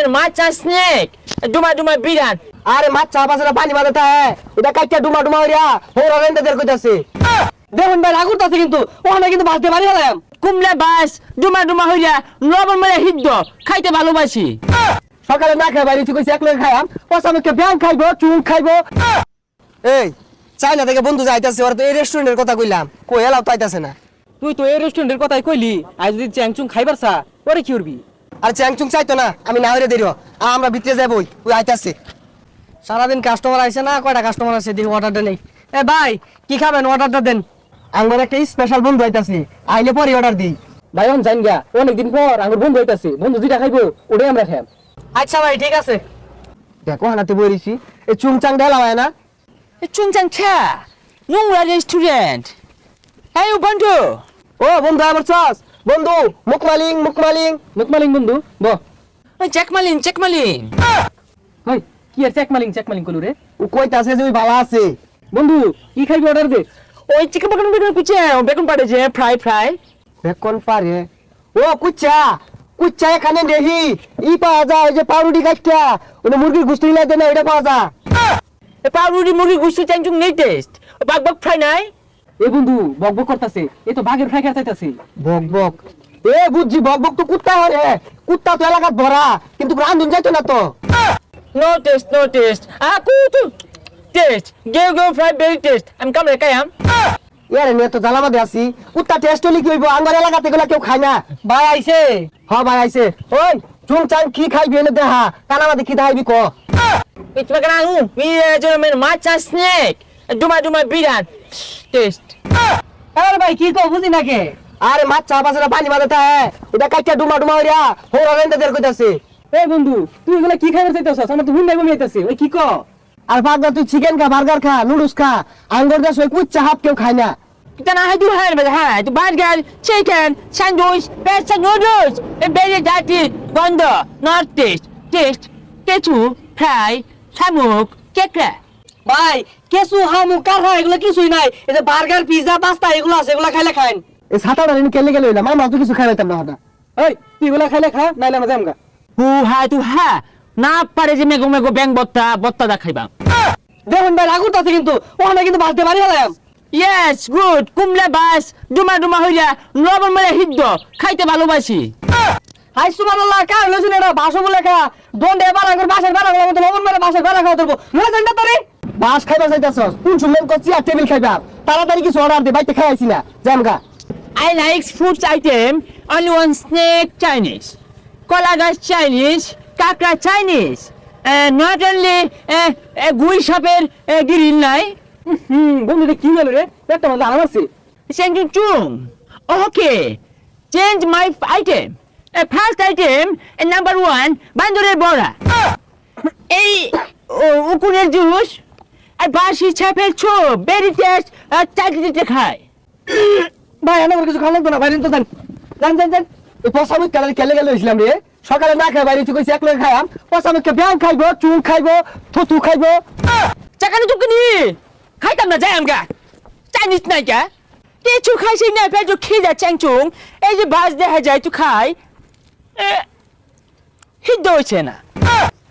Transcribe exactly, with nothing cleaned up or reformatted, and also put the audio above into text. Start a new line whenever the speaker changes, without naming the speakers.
জমের মাছা স্নেক ডুমা ডুমা বিরাট
আরে মাছ চা পাশে পানি বাঁধাতে হ্যাঁ ওটা কাইটা ডুমা ডুমা হইয়া হোরা রেন্দাদের কইতাছে দেখুন ভাই রাগুর তাছে কিন্তু ওখানে কিন্তু বাঁচতে পারি হলাম
কুমলা বাস ডুমা ডুমা হইয়া লবণ মেরে হিদ্দ খাইতে ভালোবাসি
সকালে না খাই বাইরে কইছি এক লগে খাইয়াম পসামকে ব্যাং খাইবো চুন খাইবো এই চাইনা থেকে বন্ধু যাইতাছে ওরা তো এই রেস্টুরেন্টের কথা কইলাম কই এলাও তাইতাছে না
তুই তো এই রেস্টুরেন্টের কথাই কইলি আজ যদি চ্যাংচুং খাইবার চা ওরে কি করবি
আর চ্যাংচুং চাইতো না আমি না হইরে দেরিও আমরা ভিতরে যাবই ওই আইতাছে সারাদিন কাস্টমার আইছে না কয়টা কাস্টমার আছে দেখি অর্ডারটা নেই এ ভাই কি খাবেন অর্ডারটা দেন আমার একটা স্পেশাল বন্ধু আইতাছে আইলে পরে অর্ডার দিই
ভাই অন জান গা অনেকদিন পর আমার বন্ধু হইতাছে বন্ধু যেটা খাইবো ওটাই আমরা খাইম
আচ্ছা ভাই ঠিক আছে দেখো হানাতে বইরিছি এই চুংচাং ঢালা হয় না
চুংচাং ছা নোংরা রেস্টুরেন্ট এই বন্ধু
ও বন্ধু আমার চাস বন্ধু মুকমালিং মুকমালিং
মুকমালিং বন্ধু ব
ওই চেকমালিন চেকমালিন
ভাই কি আর চেকমালিং চেকমালিং কলু রে
ও কইতাছে যে ওই ভালো আছে
বন্ধু কি খাইবি অর্ডার দে
ওই চিকেন বেগুন বেগুন কুচে বেগুন পাড়েছে ফ্রাই ফ্রাই
বেকন পারে ও কুচ্চা কুচ্চা এখানে দেখি ই পাওয়া যায় যে পাউরুটি খাইটা ওটা মুরগির গুস্ত ইলা দেনা এটা পাওয়া যায়
এ পাউরুটি মুরগি গুস্তু চ্যাংচুং নেই টেস্ট বাগ বাগ ফ্রাই নাই
এ বন্ধু বক বক করতাছে এ তো বাঘের ফ্রাই খাইতাছে
বক বক এ বুঝছি বক বক তো কুত্তা হরে কুত্তা তো এলাকাত ভরা কিন্তু রান্ধুন যাইতো না তো
নো টেস্ট নো টেস্ট আ কুতু টেস্ট গেও গেও ফ্রাই ভেরি টেস্ট আমি কামরে কায়াম
ইয়ারে নিয়ে তো জ্বালা বাদে আছি কুত্তা টেস্ট হলি কি হইব আমার এলাকাতে এগুলা কেউ খায় না
ভাই আইছে
হ ভাই আইছে ওই চুংচাং কি খাইবি এনে দেহা কানামাদে কি দাইবি ক
It's like an anu. Me জমের মাছা স্নেক ডুমা ডুমা বিরাট টেস্ট
আরে ভাই কি কো বুঝি না কে
আরে মাছ চা পাশে পানি বাঁধাতে হ্যাঁ ওটা কাইটা ডুমা ডুমা হইয়া হোরা রেন্দাদের কইতাছে
এ বন্ধু তুই এগুলা কি খাইবার চাইতাছস আমার তো হুন নাই বমিয়াইতাছে ওই কি কো
আর ভাগনা তুই চিকেন খা বার্গার খা নুডলস খা আঙ্গুর দেশ ওই কুচ্চা হাফ কেউ খায় না
Then I do have it. Hi, the burger, chicken, sandwich, pasta noodles, a very dirty, bondo, not taste, taste, kechu, fry, samuk, kekra.
ভাই কেসু হামু কারহা এগুলা কিছুই নাই এই যে বার্গার পিজা পাস্তা এগুলো আছে এগুলা খাইলে খাইন
এই সাতাটা দিন কেলে গেলে হইলাম আমরা তো কিছু খাই পাইতাম না হঠাৎ
এই তুই এগুলা খাইলে খা নাইলে আমরা যামগা
Who had to ha? না পারে যে মেগো মেগো ব্যাং বত্তা বত্তা দা খাইবা
দেখুন ভাই রাগুর তাছে কিন্তু ওখানে কিন্তু বাঁচতে পারি হলাম
ইয়েস গুড কুমলা বাস ডুমা ডুমা হইয়া লবণ মেরে হিদ্দ খাইতে ভালোবাসি
হাই সুবহানাল্লাহ কার লইছেন এটা ভাষা বলে খা দন্ডে এবার আঙ্গুর বাসের বেলা গুলো মত লবণ মেরে বাসের বেলা খাওয়া ধরবো মনে জানটা তোরে
বাস খাইবা চাইতাছস কোন শুনলেন কচ্ছি আর টেবিল খাইবা তাড়াতাড়ি কিছু অর্ডার দে বাইতে খাইছি না জামগা
I like food item only one snake Chinese kolagas Chinese kakra Chinese uh, not only uh, uh, gui shopper uh, grill নাই
হুম বন্ধু রে কি হলো রে একটা মধ্যে আরাম আছে
Thank you chung okay change my item uh, first item uh, number one bandure bora এই উকুনের জুস আর বাসি ছাপের ছোপ বেরি টেস্ট আর চাকরিতে খায়
ভাই আমার কিছু খাওয়া লাগতো না বাইরে তো জান জান জান জান এই পসামুক কালার কেলে গেলে হইছিলাম রে সকালে না খাই বাইরে কইছি এক লগে খাইয়াম পসামুককে ব্যাং খাইবো চুন খাইবো থুতু খাইবো
চাকানি চুকনি খাইতাম না যাই আমগা চাইনিজ নাই কা কিছু খাইছি না পেট খিদা চ্যাংচুং এই যে বাস দেখা যায় তো খাই হিদ্দ হইছে না